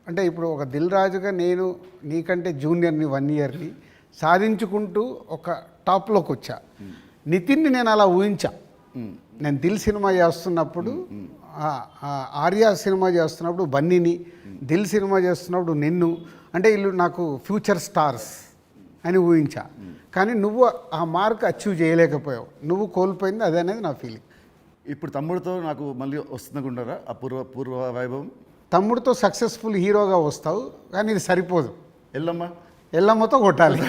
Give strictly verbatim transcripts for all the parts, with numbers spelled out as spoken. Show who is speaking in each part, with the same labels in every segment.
Speaker 1: అంటే ఇప్పుడు ఒక దిల్ రాజుగా నేను నీకంటే జూనియర్ని వన్ ఇయర్ని సాధించుకుంటూ ఒక టాప్లోకి వచ్చా. నితిన్ని నేను అలా ఊహించా. నేను దిల్ సినిమా చేస్తున్నప్పుడు, ఆర్యా సినిమా చేస్తున్నప్పుడు బన్నీని, దిల్ సినిమా చేస్తున్నప్పుడు నిన్ను, అంటే వీళ్ళు నాకు ఫ్యూచర్ స్టార్స్ అని ఊహించా. కానీ నువ్వు ఆ మార్క్ అచీవ్ చేయలేకపోయావు. నువ్వు కోల్పోయింది అదే అనేది నా ఫీలింగ్.
Speaker 2: ఇప్పుడు తమ్ముడితో నాకు మళ్ళీ వస్తుందనుకుంటారా ఆ పూర్వ పూర్వ వైభవం?
Speaker 1: తమ్ముడితో సక్సెస్ఫుల్ హీరోగా వస్తావు, కానీ ఇది సరిపోదు.
Speaker 2: ఎల్లమ్మ
Speaker 1: ఎల్లమ్మతో కొట్టాలి.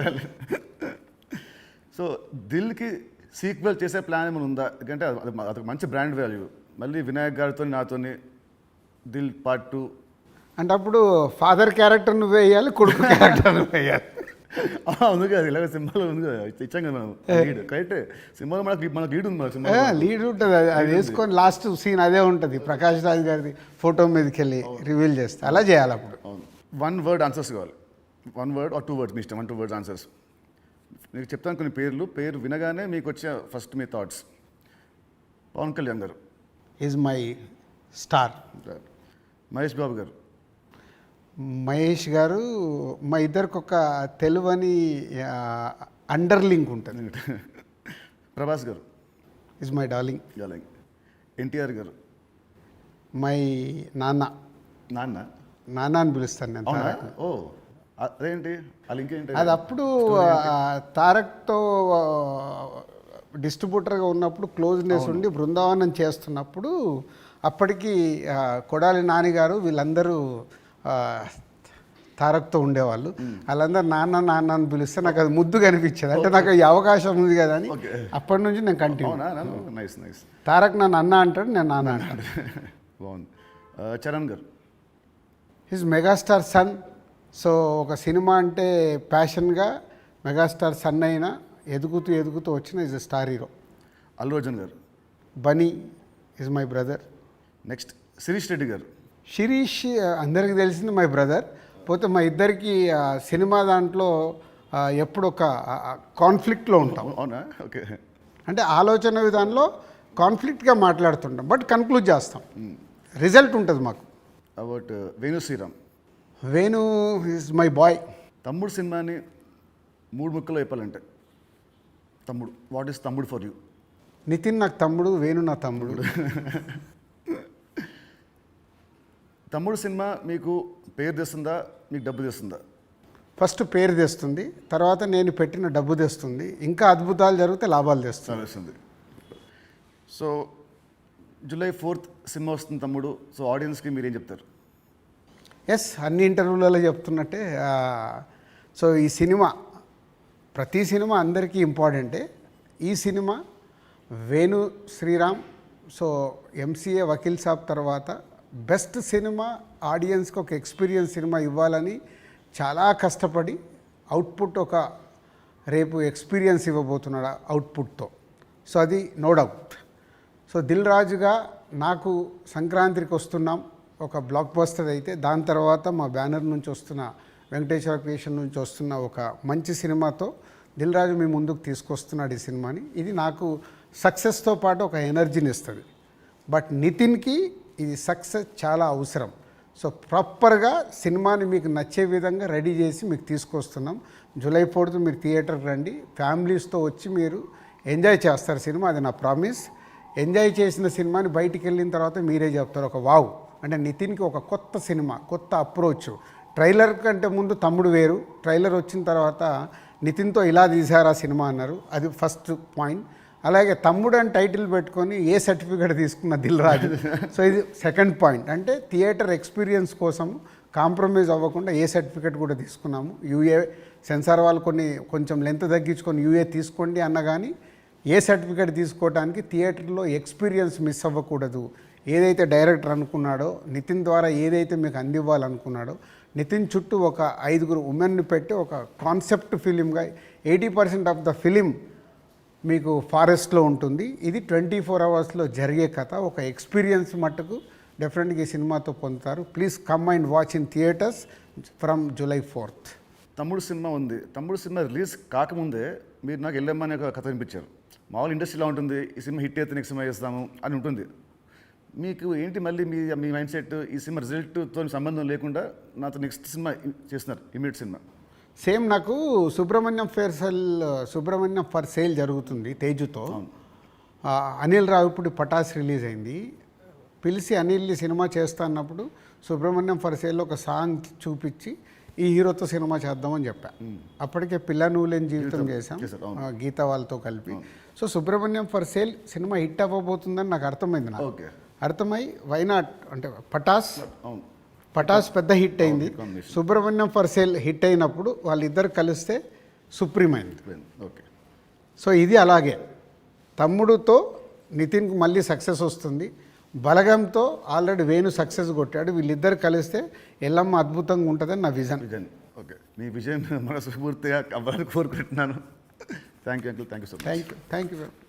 Speaker 2: సో దిల్కి సీక్వెల్ చేసే ప్లాన్ ఏమైనా ఉందా? ఎందుకంటే అది అదొక మంచి బ్రాండ్ వాల్యూ. మళ్ళీ వినాయక్ గారితో నాతోని దిల్ పార్ట్ టూ
Speaker 1: అంటే అప్పుడు ఫాదర్ క్యారెక్టర్ నువ్వు వేయాలి, కొడుకు క్యారెక్టర్ నువ్వు వేయాలి.
Speaker 2: ఉంది కదా, ఇలాగ సినిమాలో ఉంది కదా, ఇచ్చాం కదా మనం లీడ్. కరెక్టే, సినిమాలో మనకు మనకు లీడ్ ఉంది. మన సినిమా
Speaker 1: లీడ్ ఉంటుంది, అది అది వేసుకొని లాస్ట్ సీన్ అదే ఉంటుంది. ప్రకాష్ రాజ్ గారిది ఫోటో మీదకి వెళ్ళి రివీల్ చేస్తే అలా చేయాలి. అప్పుడు
Speaker 2: వన్ వర్డ్ ఆన్సర్స్ కావాలి. One word or two words మీ ఇష్టం. One two words answers. మీకు చెప్తాను కొన్ని పేర్లు. పేరు వినగానే మీకు వచ్చే ఫస్ట్ మీ థాట్స్. పవన్ కళ్యాణ్ గారు
Speaker 1: is my star.
Speaker 2: Mahesh Babu గారు.
Speaker 1: మహేష్ గారు మా ఇద్దరికి ఒక తెలువని అండర్లింక్ ఉంటుంది.
Speaker 2: ప్రభాస్ గారు
Speaker 1: is my darling.
Speaker 2: Darling. NTR గారు.
Speaker 1: మై నాన్న.
Speaker 2: నాన్న
Speaker 1: నాన్న అని పిలుస్తాను నేను.
Speaker 2: ఓ అదేంటి అది ఇంకేంటి?
Speaker 1: అది అప్పుడు తారక్తో డిస్ట్రిబ్యూటర్గా ఉన్నప్పుడు క్లోజ్నెస్ ఉండి బృందావనం చేస్తున్నప్పుడు అప్పటికి కొడాలి నానిగారు వీళ్ళందరూ తారక్తో ఉండేవాళ్ళు. వాళ్ళందరూ నాన్న నాన్న అని పిలిస్తే నాకు అది ముద్దుగా అనిపించేది. అంటే నాకు ఈ అవకాశం ఉంది కదా అని అప్పటి నుంచి నేను కంటిన్యూ.
Speaker 2: Nice nice.
Speaker 1: తారక్ నన్ను అన్న అంటాడు, నేను నాన్న అంటాడు.
Speaker 2: బాగుంది. చరణ్ గారు.
Speaker 1: His megastar son. సో ఒక సినిమా అంటే ప్యాషన్గా మెగాస్టార్ సన్ అయినా ఎదుగుతూ ఎదుగుతూ వచ్చిన is star hero.
Speaker 2: Allu Arjun గారు.
Speaker 1: Bunny is my brother.
Speaker 2: Next Sirish Reddy గారు.
Speaker 1: శిరీష్ అందరికీ తెలిసింది మై బ్రదర్. పోతే మా ఇద్దరికి సినిమా దాంట్లో ఎప్పుడు ఒక కాన్ఫ్లిక్ట్లో ఉంటాం.
Speaker 2: అవునా? ఓకే.
Speaker 1: అంటే ఆలోచన విధానంలో కాన్ఫ్లిక్ట్గా మాట్లాడుతుంటాం, బట్ కన్క్లూడ్ చేస్తాం. రిజల్ట్ ఉంటుంది మాకు.
Speaker 2: About Venu Sriram.
Speaker 1: Venu is my boy.
Speaker 2: Thammudu సినిమాని మూడు ముక్కలు చెప్పాలంటే Thammudu, what is Thammudu for you?
Speaker 1: Nithiin నాకు తమ్ముడు, వేణు నా తమ్ముడు.
Speaker 2: తమ్ముడు సినిమా మీకు పేరు తెస్తుందా, మీకు డబ్బు తెస్తుందా?
Speaker 1: ఫస్ట్ పేరు తెస్తుంది, తర్వాత నేను పెట్టిన డబ్బు తెస్తుంది. ఇంకా అద్భుతాలు జరిగితే లాభాలు తెస్తుంది.
Speaker 2: సో జూలై ఫోర్త్ సినిమా వస్తుంది తమ్ముడు. సో ఆడియన్స్కి మీరేం చెప్తారు?
Speaker 1: ఎస్, అన్ని ఇంటర్వ్యూలలో చెప్తున్నట్టే. సో ఈ సినిమా, ప్రతి సినిమా అందరికీ ఇంపార్టెంటే. ఈ సినిమా వేణు శ్రీరామ్, సో ఎంసీఏ వకీల్ సాబ్ తర్వాత బెస్ట్ సినిమా, ఆడియన్స్కి ఒక ఎక్స్పీరియన్స్ సినిమా ఇవ్వాలని చాలా కష్టపడి అవుట్పుట్ ఒక రేపు ఎక్స్పీరియన్స్ ఇవ్వబోతున్నాడు అవుట్పుట్తో. సో అది నో డౌట్. సో దిల్ రాజుగా నాకు సంక్రాంతికి వస్తున్నాం ఒక బ్లాక్ బస్టర్ అయితే, దాని తర్వాత మా బ్యానర్ నుంచి వస్తున్న వెంకటేశ్వర క్రియేషన్ నుంచి వస్తున్న ఒక మంచి సినిమాతో దిల్ రాజు మీ ముందుకు తీసుకొస్తున్నాడు ఈ సినిమాని. ఇది నాకు సక్సెస్తో పాటు ఒక ఎనర్జీని ఇస్తుంది. బట్ నితిన్కి ఇది సక్సెస్ చాలా అవసరం. సో ప్రాపర్గా సినిమాని మీకు నచ్చే విధంగా రెడీ చేసి మీకు తీసుకొస్తున్నాం. జూలై ఫోర్త్ మీరు థియేటర్కి రండి, ఫ్యామిలీస్తో వచ్చి మీరు ఎంజాయ్ చేస్తారు సినిమా, అది నా ప్రామిస్. ఎంజాయ్ చేసిన సినిమాని బయటికి వెళ్ళిన తర్వాత మీరే చెప్తారు ఒక వావ్, అంటే నితిన్కి ఒక కొత్త సినిమా, కొత్త అప్రోచ్. ట్రైలర్ కంటే ముందు తమ్ముడు వేరు, ట్రైలర్ వచ్చిన తర్వాత నితిన్తో ఇలా తీశారు ఆ సినిమా అన్నారు. అది ఫస్ట్ పాయింట్. అలాగే తమ్ముడు అని టైటిల్ పెట్టుకొని ఏ సర్టిఫికేట్ తీసుకున్న దిల్ రాజు. సో ఇది సెకండ్ పాయింట్. అంటే థియేటర్ ఎక్స్పీరియన్స్ కోసం కాంప్రమైజ్ అవ్వకుండా ఏ సర్టిఫికేట్ కూడా తీసుకున్నాము. యూఏ సెన్సార్ వాళ్ళు కొన్ని కొంచెం లెంత్ తగ్గించుకొని యూఏ తీసుకోండి అన్న కానీ ఏ సర్టిఫికేట్ తీసుకోవడానికి థియేటర్లో ఎక్స్పీరియన్స్ మిస్ అవ్వకూడదు. ఏదైతే డైరెక్టర్ అనుకున్నాడో, నితిన్ ద్వారా ఏదైతే మీకు అందివ్వాలనుకున్నాడో, నితిన్ చుట్టూ ఒక ఐదుగురు ఉమెన్ని పెట్టి ఒక కాన్సెప్ట్ ఫిలింగా eighty percent of the film మీకు ఫారెస్ట్లో ఉంటుంది. ఇది ట్వంటీ ఫోర్ అవర్స్లో జరిగే కథ. ఒక ఎక్స్పీరియన్స్ మట్టుకు డెఫినెట్గా ఈ సినిమాతో పొందుతారు. Please come and watch in theatres from July fourth.
Speaker 2: Thammudu సినిమా ఉంది. తమ్ముడు సినిమా రిలీజ్ కాకముందే మీరు నాకు వెళ్ళమ్మని ఒక కథ వినిపించారు. మామూలు ఇండస్ట్రీలో ఉంటుంది, ఈ సినిమా హిట్ అయితే నెక్స్ట్ సినిమా చేస్తాము అని ఉంటుంది. మీకు ఏంటి మళ్ళీ మీ మీ మైండ్ సెట్ ఈ సినిమా రిజల్ట్తో సంబంధం లేకుండా నాతో నెక్స్ట్ సినిమా చేస్తున్నారు ఇమీడియట్ సినిమా?
Speaker 1: సేమ్ నాకు Subrahmanyam for sale Subrahmanyam for sale జరుగుతుంది తేజుతో. ఆ, అనిల్ రావిపూడి పటాస్ రిలీజ్ అయింది. పిలిచి అనిల్ని సినిమా చేస్తా అన్నప్పుడు సుబ్రహ్మణ్యం ఫర్ సేల్లో ఒక సాంగ్ చూపించి ఈ హీరోతో సినిమా చేద్దామని చెప్పా. అప్పటికే పిల్ల నువ్వు లేని జీవితం చేశాం ఆ, గీత వాళ్ళతో కలిపి. సో సుబ్రహ్మణ్యం ఫర్ సేల్ సినిమా హిట్ అవ్వబోతుందని నాకు అర్థమైంది. నాకు
Speaker 2: ఓకే,
Speaker 1: అర్థమై వైనాట్ అంటే పటాస్
Speaker 2: అవును,
Speaker 1: పటాస్ పెద్ద హిట్ అయింది. సుబ్రహ్మణ్యం ఫర్ సేల్ హిట్ అయినప్పుడు వాళ్ళిద్దరు కలిస్తే సుప్రీం అయింది.
Speaker 2: ఓకే.
Speaker 1: సో ఇది అలాగే తమ్ముడుతో నితిన్కి మళ్ళీ సక్సెస్ వస్తుంది. బలగంతో ఆల్రెడీ వేణు సక్సెస్ కొట్టాడు. వీళ్ళిద్దరు కలిస్తే ఎల్లమ్మ అద్భుతంగా ఉంటుందని నా విజన్.
Speaker 2: Vision okay. మీ విజయం మనస్ఫూర్తిగా అవ్వాలని కోరుకుంటున్నాను. Thank you uncle, thank you so much.
Speaker 1: Thank you thank you